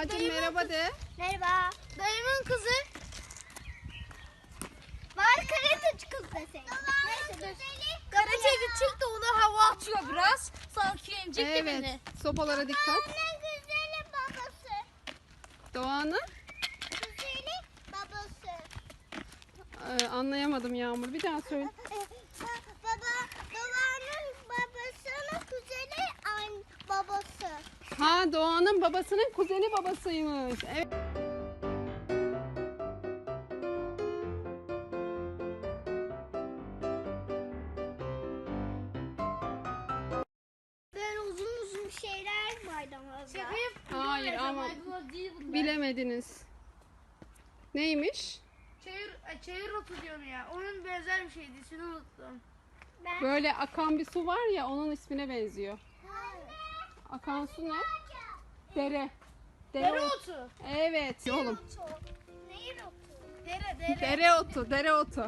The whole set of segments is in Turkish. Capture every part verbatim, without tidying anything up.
Doğacığım merhaba de. Merhaba. Dayımın kızı. Var karateci kız deseydim. Neyse dur. Karateci çıktı, ona hava atıyor biraz. Sanki emecek de beni. Evet. Sopalara dikkat. Anne güzeli babası. Doğan'ın Güzeli babası. Ee, anlayamadım Yağmur. Bir daha söyle. Baba, babanın babasının güzeli an babası. Ha, Doğan'ın babasının kuzeni babasıymış. Evet. Böyle uzun uzun şeyler maydanozlar. Şefim. Hayır ama Maydanoz değil bunlar. bilemediniz. Neymiş? Çayır, ay, çayır otu diyorum ya. Onun benzer bir şeydi. İsmini unuttum. Ben... Böyle akan bir su var ya, onun ismine benziyor. Akan su ne? Dere. Dere otu. Evet oğlum. Neyin otu? Dere dere. Dere otu, dere otu.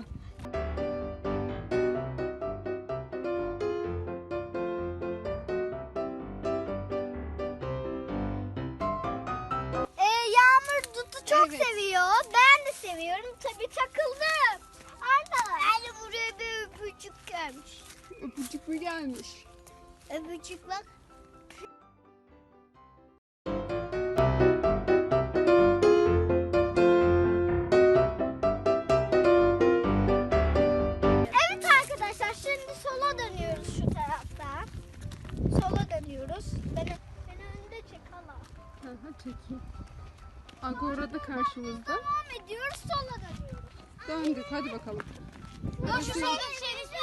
Ee, Yağmur dutu çok Evet. seviyor. Ben de seviyorum. Tabii takıldım. Arda. Yani buraya bir öpücük gelmiş. Öpücük mü gelmiş? Öpücük bak. Evet arkadaşlar, şimdi sola dönüyoruz şu taraftan. Sola dönüyoruz. Beni, beni önde çek hala. Hı hı, çekeyim. Agora da karşımızda. Devam ediyoruz, sola dönüyoruz. Döndük, hadi bakalım. Dur şu solun şerisi.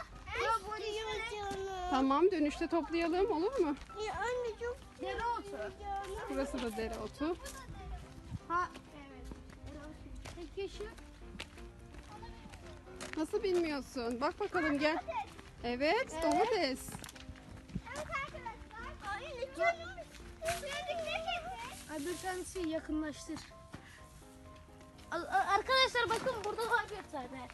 Tamam, dönüşte toplayalım, olur mu? Ya anne çok Dere otu. Burası da dere otu. Ha evet. Peki şu. Nasıl bilmiyorsun? Bak bakalım, gel. Evet, domates. Evet arkadaşlar. Anne canım. Ay bir tanesi yakınlaştır. A- a- Arkadaşlar bakın burada var bir tane.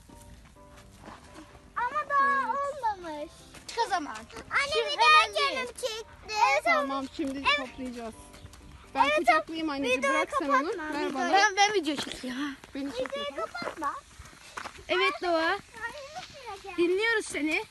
Ama daha olmamış. Çık o zaman. Anne Şimdi bir daha hemen değil. canım çekti. Tamam, şimdi toplayacağız. Ben kucaklayayım anneciğim, videoyu bırak sen onu. kapatma, Ver bana. Ben, ben video çekiyorum. Beni çek. Videoyu kapatma. Evet Doğa. Anne nasıl yapacağım? Dinliyoruz seni.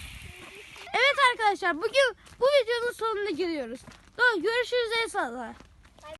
Evet arkadaşlar, bugün bu videonun sonuna geliyoruz. Doğa, görüşürüz, el salla.